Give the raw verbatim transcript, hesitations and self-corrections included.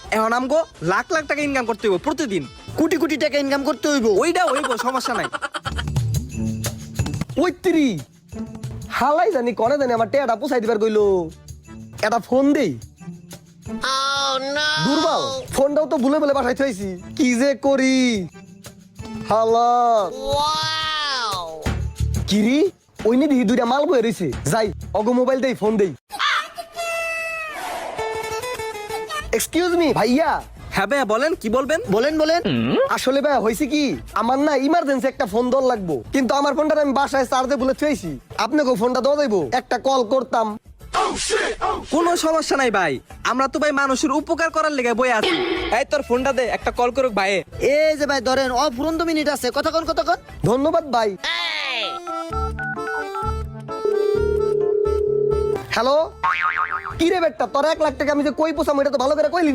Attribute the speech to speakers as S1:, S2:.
S1: এখন আমগো লাখ লাখ টাকা ইনকাম করতে হইব প্রতিদিন।
S2: কোটি কোটি টাকা ইনকাম করতে হইব।
S1: ওইটা হইব, সমস্যা নাই।
S3: ওইত্রি হালাই জানি কনে জানি আমার টেয়াটা পুষাই দিবার কইলো। এটা ফোন দেই। দুর্বল ফোনটাও তো ভুলে বলে বাসায় থইছি, কি যে করি। হালা কিরি ওই নি দিহি দুইটা মাল বয়ে রইছে, যাই অগো মোবাইল দেই, ফোন দেই। এক্সকিউজ মি ভাইয়া।
S1: হ্যাঁ ভাইয়া বলেন, কি বলবেন?
S2: বলেন বলেন।
S3: আসলে ভাই হয়েছে কি, আমার না ইমার্জেন্সি একটা ফোন দর লাগবো, কিন্তু আমার ফোনটা আমি বাসায় চার্জে বলে থুয়েছি। আপনাকে ফোনটা দেওয়া যাইবো? একটা কল করতাম।
S1: কোনো সমস্যা নাই ভাই, আমরা তো ভাই মানুষের উপকার করার লেগে বই আছি। এই তোর ফোনটা দে, একটা কল করুক ভাই।
S2: এই যে ভাই ধরেন, অফুরন্ত মিনিট আছে, কথা কন কথা কন।
S3: ধন্যবাদ ভাই। হ্যালো, কি রে বেটা, তোর এক লাখ টাকা আমি যে কই পোষাম এটা তো ভালো করে কইলি।